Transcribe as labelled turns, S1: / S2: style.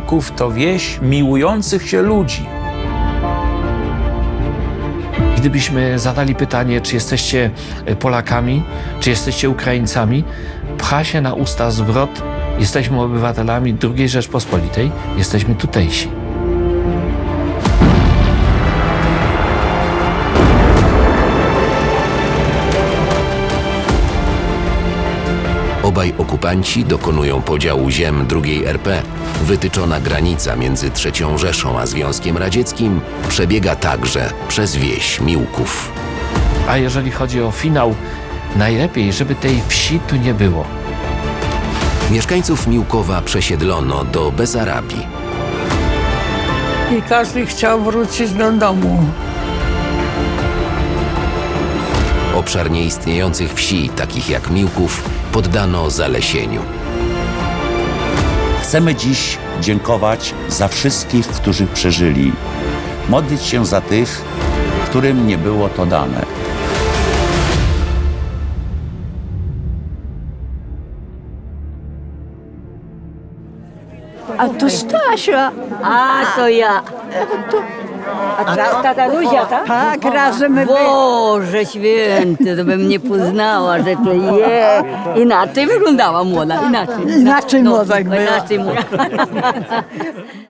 S1: Miłków to wieś miłujących się ludzi.
S2: Gdybyśmy zadali pytanie, czy jesteście Polakami, czy jesteście Ukraińcami, pcha się na usta zwrot: jesteśmy obywatelami II Rzeczpospolitej, jesteśmy tutejsi.
S3: Obaj okupanci dokonują podziału ziem II RP. Wytyczona granica między III Rzeszą a Związkiem Radzieckim przebiega także przez wieś Miłków.
S2: A jeżeli chodzi o finał, najlepiej, żeby tej wsi tu nie było.
S3: Mieszkańców Miłkowa przesiedlono do Besarabii.
S4: I każdy chciał wrócić do domu.
S3: Obszar nieistniejących wsi, takich jak Miłków, poddano zalesieniu.
S5: Chcemy dziś dziękować za wszystkich, którzy przeżyli. Modlić się za tych, którym nie było to dane.
S6: A to Stasia.
S7: A, to ja. A tata Luzia, tak?
S6: Tak, razem my
S7: Boże święty, to bym nie poznała, że to je. Inaczej wyglądała młoda, inaczej.
S6: Inaczej młoda jak była.
S7: Inaczej młoda.